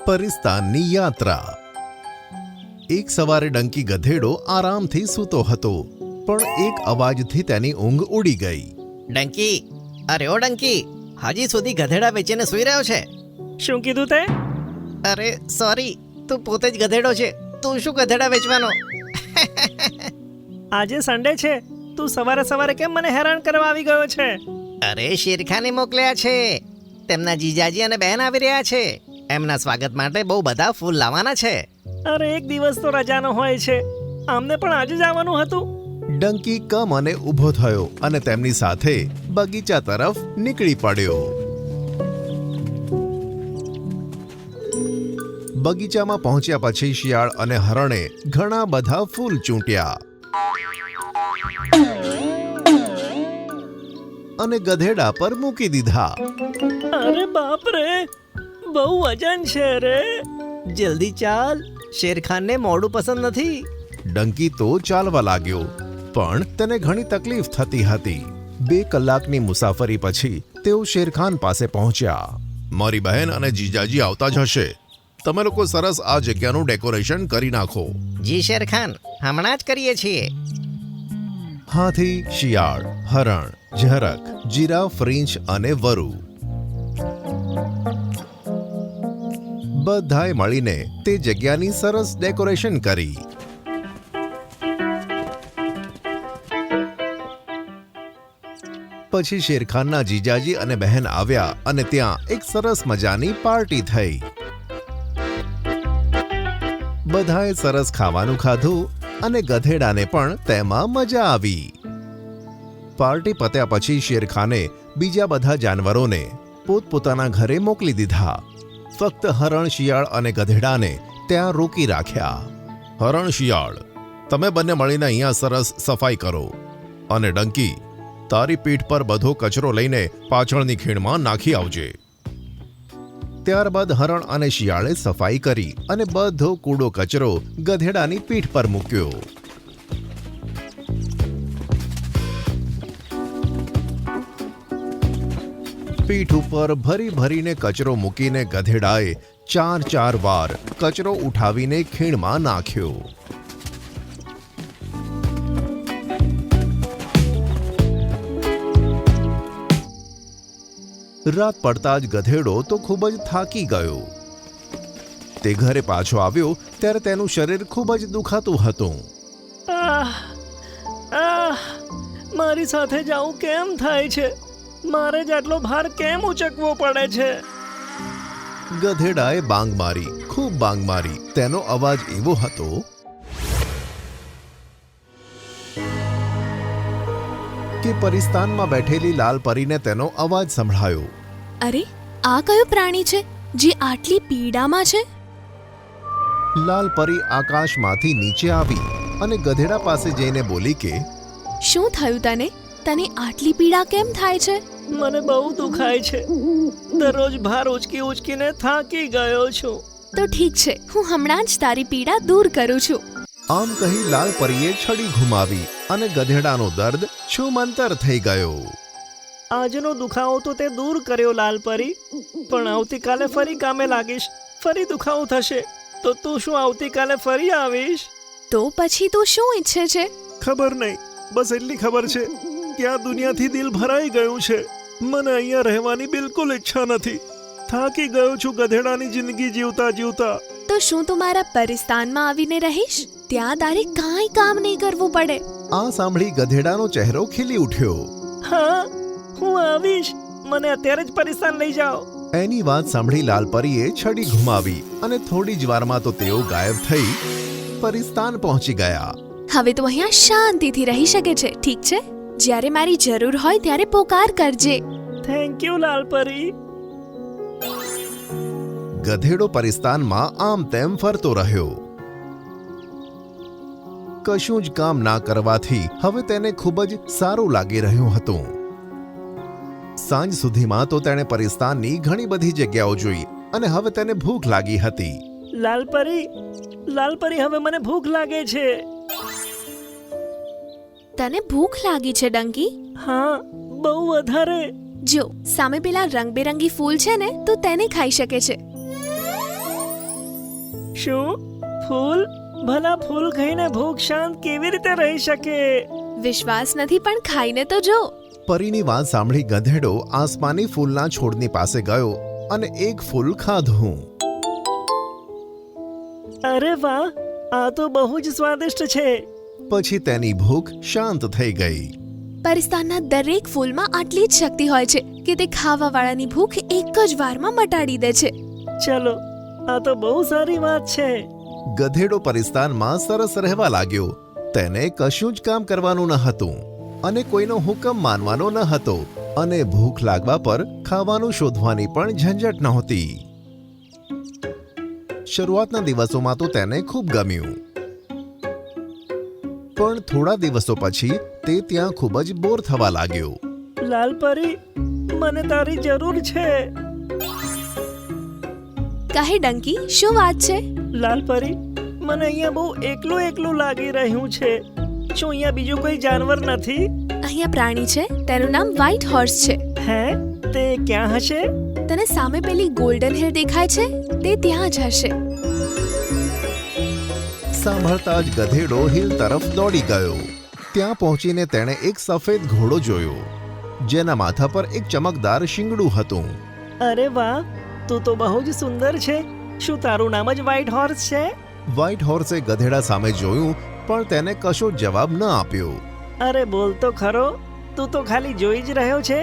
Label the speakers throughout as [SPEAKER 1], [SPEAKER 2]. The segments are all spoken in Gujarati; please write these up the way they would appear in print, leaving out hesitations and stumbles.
[SPEAKER 1] પરિસ્તાનની યાત્રા. એક સવારે ડંકી ગધેડો આરામથી સૂતો હતો, પણ એક અવાજથી તેની ઊંઘ ઉડી ગઈ.
[SPEAKER 2] ડંકી, અરે ઓ ડંકી, હજી સુધી ગધેડા વેચીને સૂઈ રહ્યો છે?
[SPEAKER 3] શું કીધું તે?
[SPEAKER 2] અરે સોરી, તું પોતે જ ગધેડો છે, તું શું ગધેડા વેચવાનો?
[SPEAKER 3] આજે સન્ડે છે, તું સવારે સવારે કેમ મને હેરાન કરવા આવી ગયો છે?
[SPEAKER 2] અરે શેરખાને મોકલ્યા છે. તેમના જીજાજી અને બહેન આવી રહ્યા છે. એમના સ્વાગત માટે બહુ બધા ફૂલ લાવવાના છે.
[SPEAKER 3] અરે એક દિવસ તો રજાનો હોય છે, આમને પણ આજે જ આવવાનું હતું.
[SPEAKER 1] ડંકી કમ અને ઊભો થયો અને તેમની સાથે બગીચા તરફ નીકળી પડ્યો. બગીચામાં પહોંચ્યા પછી શિયાળ અને હરણે ઘણા બધા ફૂલ ચૂંટ્યા અને ગધેડા પર મૂકી દીધા.
[SPEAKER 3] અરે બાપ રે, બહુ વજન છે રે.
[SPEAKER 2] જલ્દી ચાલ, શેરખાનને મોડું પસંદ નથી.
[SPEAKER 1] ડંકી તો ચાલવા લાગ્યો, પણ તેને ઘણી તકલીફ થતી હતી. 2 કલાકની મુસાફરી પછી તેઓ શેરખાન પાસે પહોંચ્યા. મારી બહેન અને જીજાજી આવતા જ હશે. તમે લોકો સરસ આ જગ્યાનું ડેકોરેશન કરી નાખો.
[SPEAKER 2] જી શેરખાન, હમણાં જ કરીએ છીએ.
[SPEAKER 1] હાથી, શિયાળ, હરણ, ઝરખ, જીરાફ, રીંછ અને વરુ બધાએ મળીને તે જગ્યાની સરસ ડેકોરેશન કરી. પછી શેરખાનના જીજાજી અને બહેન આવ્યા અને ત્યાં એક સરસ મજાની પાર્ટી થઈ. બધાએ સરસ ખાવાનું ખાધું અને ગધેડાને પણ તેમાં મજા આવી. પાર્ટી પત્યા પછી શેરખાને બીજા બધા જાનવરોને પોતપોતાના ઘરે મોકલી દીધા. ફક્ત હરણ, શિયાળ અને ગધેડાને ત્યાં રોકી રાખ્યા. હરણ, શિયાળ, તમે બંને મળીને અહીંયા સરસ સફાઈ કરો, અને ડંકી, તારી પીઠ પર બધો કચરો લઈને પાછળની ખીણમાં નાખી આવજે. ત્યારબાદ હરણ અને શિયાળે સફાઈ કરી અને બધો કૂડો કચરો ગધેડાની પીઠ પર મૂક્યો. પીઠ ઉપર ભરી ભરીને કચરો મૂકીને ગધેડાએ 4 વાર કચરો ઉઠાવીને ખીણમાં નાખ્યો. રાત પડતા જ ગધેડો તો ખૂબ જ થાકી ગયો. તે ઘરે પાછો આવ્યો ત્યારે તેનું શરીર ખૂબ જ દુખાતું હતું.
[SPEAKER 3] મારી સાથે જાવું કેમ થાય છે? મારે જ આટલો ભાર કેમ ઉચકવો પડે છે?
[SPEAKER 1] ગધેડાએ બાંગ મારી, ખૂબ બાંગ મારી. તેનો અવાજ એવો હતો કે પરિસ્તાનમાં બેઠેલી લાલ પરીને તેનો અવાજ સંભળાયો.
[SPEAKER 4] અરે, આ કયું પ્રાણી છે જે આટલી પીડામાં છે?
[SPEAKER 1] લાલ પરી આકાશમાંથી નીચે આવી અને ગધેડા પાસે જઈને બોલી કે,
[SPEAKER 4] શું થયું તને? તને આટલી પીડા કેમ થાય છે?
[SPEAKER 3] મને બહુ દુખાય છે. દરરોજ ભાર ઉચકી ઉચકીને થાકી ગયો છું.
[SPEAKER 4] તો ઠીક છે, હું હમણાં જ તારી પીડા દૂર કરું છું.
[SPEAKER 1] આમ કહી લાલ પરીએ છડી ઘુમાવી અને ગધેડાનો દર્દ છૂમંતર થઈ ગયો.
[SPEAKER 3] આજનો દુખાવો તો તે દૂર કર્યો લાલ પરી, પણ આવતીકાલે ફરી કામે લાગીશ. ફરી દુખાવો થશે તો તું શું આવતીકાલે ફરી આવીશ?
[SPEAKER 4] તો પછી તું શું ઈચ્છે છે?
[SPEAKER 3] ખબર નહીં, બસ એટલી ખબર છે કે આ દુનિયાથી દિલ ભરાઈ ગયું છે. મને અહીંયા રહેવાની બિલકુલ ઈચ્છા નથી. થાકી ગયો છું ગધેડાની જિંદગી જીવતા જીવતા.
[SPEAKER 4] તો શું તું મારા પરિસ્તાનમાં આવીને રહીશ? ત્યાં તારે કાંઈ કામ નહીં કરવું પડે.
[SPEAKER 1] આ સાંભળી ગધેડાનો ચહેરો ખીલી ઉઠ્યો.
[SPEAKER 3] હા, હું આવીશ. મને અત્યારે જ પરિસ્તાન લઈ જાઓ.
[SPEAKER 1] એની વાત સાંભળી લાલ પરીએ છડી ઘુમાવી અને થોડી જ વારમાં તો તેઓ ગાયબ થઈ પરિસ્તાન પહોંચી ગયા.
[SPEAKER 4] હવે તું અહીંયા શાંતિથી રહી શકે છે, ઠીક છે? જ્યારે મારી જરૂર હોય ત્યારે પોકાર કરજે.
[SPEAKER 3] થેન્ક યુ લાલ પરી.
[SPEAKER 1] ગધેડો પરિસ્તાનમાં આમ તેમ ફરતો રહ્યો. કશું જ કામ ના કરવાથી હવે તેને ખૂબ જ સારું લાગી રહ્યું હતું. સાંજ સુધીમાં તો તેણે પરિસ્તાનની ઘણી બધી જગ્યાઓ જોઈ અને હવે તેને ભૂખ લાગી હતી.
[SPEAKER 3] લાલ પરી, હવે મને ભૂખ લાગે છે.
[SPEAKER 4] તને ભૂખ લાગી છે ડંકી?
[SPEAKER 3] હા, બહુ વધારે.
[SPEAKER 4] જો સામે પેલા રંગબેરંગી ફૂલ છે ને, તું તેને ખાઈ શકે છે.
[SPEAKER 3] શું ફૂલ? ભલા ફૂલ ખાઈને ભૂખ શાંત કેવી રીતે રહી શકે?
[SPEAKER 4] વિશ્વાસ નથી પણ ખાઈને તો જો.
[SPEAKER 1] પરીની વાત સાંભળી ગધેડો આસમાની ફૂલના છોડની પાસે ગયો અને એક ફૂલ ખાધું.
[SPEAKER 3] અરે વાહ, આ તો બહુ જ સ્વાદિષ્ટ છે.
[SPEAKER 1] પછી તેની ભૂખ શાંત થઈ ગઈ.
[SPEAKER 4] પરિસ્તાનના દરેક ફૂલમાં આટલી જ શક્તિ હોય છે કે તે ખાવાવાળાની ભૂખ એક જ વારમાં મટાડી દે છે.
[SPEAKER 3] ચલો, આ તો બહુ સારી વાત છે.
[SPEAKER 1] ગધેડો પરિસ્તાનમાં સરસ રહેવા લાગ્યો. તેને કશું જ કામ કરવાનું ન હતું અને કોઈનો હુકમ માનવાનો ન હતો અને ભૂખ લાગવા પર ખાવાનું શોધવાની પણ ઝંઝટ નહોતી. શરૂઆતના દિવસોમાં તો તેને ખૂબ ગમ્યું, પણ થોડા દિવસો પછી તે ત્યાં ખૂબ જ બોર થવા લાગ્યો.
[SPEAKER 3] લાલ પરી, મને તારી જરૂર છે.
[SPEAKER 4] કહે ડંકી, શું વાત છે?
[SPEAKER 3] લાલ પરી, મને અહીંયા બહુ એકલું એકલું લાગી રહ્યું છે. શું અહીંયા બીજું કોઈ જાનવર નથી?
[SPEAKER 4] અહીંયા પ્રાણી છે, તેનું નામ વ્હાઇટ હોર્સ છે.
[SPEAKER 3] હે? તે ક્યાં હશે?
[SPEAKER 4] તને સામે પેલી ગોલ્ડન હિલ દેખાય છે? તે ત્યાં જ હશે.
[SPEAKER 1] સાંભળતા જ ગધેડો હિલ તરફ દોડી ગયો. ત્યાં પહોંચીને તેણે એક સફેદ ઘોડો જોયો, જેના માથા પર એક ચમકદાર શિંગડું હતું.
[SPEAKER 3] અરે વાહ, તું તો બહુ જ સુંદર છે. શું તારું નામ જ વ્હાઇટ હોર્સ છે?
[SPEAKER 1] વ્હાઇટ હોર્સે ગધેડા સામે જોયું, પણ તેને કશો જવાબ ન આપ્યો.
[SPEAKER 3] અરે બોલ તો ખરો, તું તો ખાલી જોઈ જ રહ્યો છે.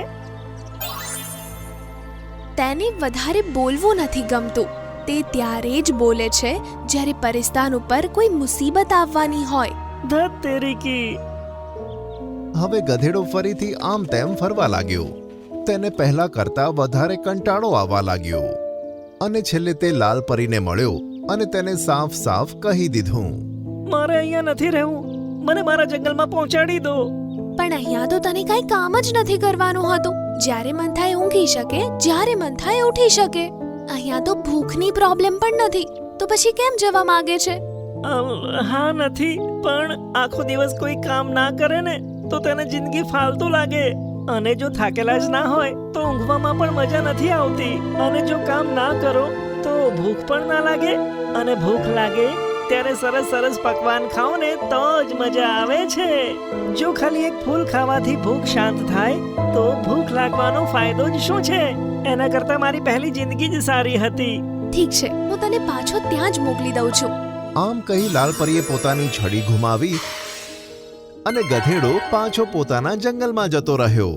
[SPEAKER 4] તેને વધારે બોલવું નથી ગમતું. તે ત્યારે જ બોલે છે જ્યારે પરિસ્તાન ઉપર કોઈ મુસીબત આવવાની હોય.
[SPEAKER 3] ધત તેરી કી.
[SPEAKER 1] હવે ગધેડો ફરીથી આમ તેમ ફરવા લાગ્યો. તેને પહેલા કરતા વધારે કંટાળો આવવા લાગ્યો અને છેલ્લે તે લાલ પરીને મળ્યો અને તેને સાફ સાફ કહી દીધું,
[SPEAKER 3] મારે અહીંયા નથી રહેવું. મને મારા જંગલમાં પહોંચાડી દો.
[SPEAKER 4] પણ અહીંયા તો તને કઈ કામ જ નથી કરવાનું હતું. જ્યારે મન થાય ઊંઘી શકે, જ્યારે મન થાય ઉઠી શકે. અહીંયા તો ભૂખની પ્રોબ્લેમ પણ નથી, તો પછી કેમ જવા માંગે છે?
[SPEAKER 3] હા નથી, પણ આખો દિવસ કોઈ કામ ના કરે ને તો તેને જિંદગી ફાલતુ લાગે. અને જો થાકેલા જ ના હોય તો ઊંઘવામાં પણ મજા નથી આવતી. અને જો કામ ના કરો તો ભૂખ પણ ના લાગે. અને ભૂખ લાગે ત્યારે સરસ સરસ પકવાન ખાઓ ને તો જ મજા આવે છે. જો ખાલી એક ફૂલ ખાવાથી ભૂખ શાંત થાય તો ભૂખ લાગવાનો ફાયદો જ શું છે? એના કરતા મારી પહેલી જિંદગી જ સારી હતી.
[SPEAKER 4] ઠીક છે, હું તને પાછો ત્યાં જ મોકલી દઉં છું.
[SPEAKER 1] આમ કહી લાલ પરીએ પોતાની છડી ઘુમાવી અને ગધેડો પાછો પોતાના જંગલમાં જતો રહ્યો.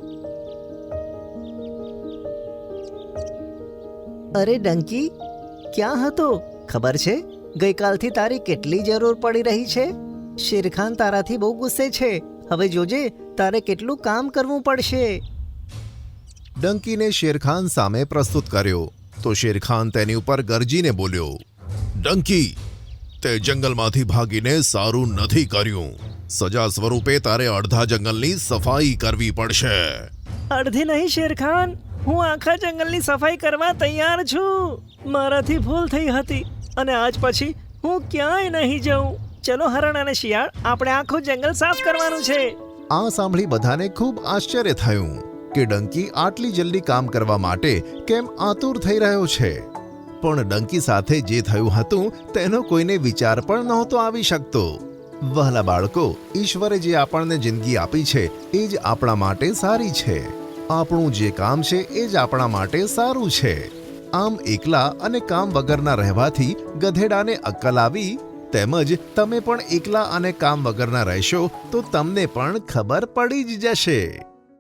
[SPEAKER 2] અરે ડંકી, ક્યાં હતો? ખબર છે ગઈકાલથી તારી કેટલી જરૂર પડી રહી છે. શેરખાન તારાથી બહુ ગુસ્સે છે. હવે જોજે તારે કેટલું કામ કરવું પડશે.
[SPEAKER 1] ડંકીને શેરખાન સામે પ્રસ્તુત કર્યો તો શેરખાન તેની ઉપર ગરજીને બોલ્યો, ડંકી, તે જંગલમાંથી ભાગીને સારું નથી કર્યું. સજા સ્વરૂપે તારે અડધા જંગલની સફાઈ કરવી પડશે.
[SPEAKER 3] અડધી નહીં શેરખાન, હું આખા જંગલની સફાઈ કરવા તૈયાર છું. મારાથી ભૂલ થઈ હતી અને આજ પછી હું ક્યાંય નહીં જાઉં. ચલો હરણ અને શિયાળ, આપણે આખું જંગલ સાફ કરવાનું છે.
[SPEAKER 1] આ સાંભળી બધાને ખૂબ આશ્ચર્ય થયું કે ડંકી આટલી જલ્દી કામ કરવા માટે કેમ આતુર થઈ રહ્યો છે. પણ ડંકી સાથે જે થયું હતું તેનો કોઈને વિચાર પણ નહોતો આવી શકતો. વહાલા બાળકો, ઈશ્વરે જે આપણને જિંદગી આપી છે એ જ આપણા માટે સારી છે. આપણું જે કામ છે એ જ આપણા માટે સારું છે. આમ એકલા અને કામ વગરના રહેવાથી ગધેડાને અક્કલ આવી, તેમજ તમે પણ એકલા અને કામ વગરના રહેશો તો તમને પણ ખબર પડી જ જશે.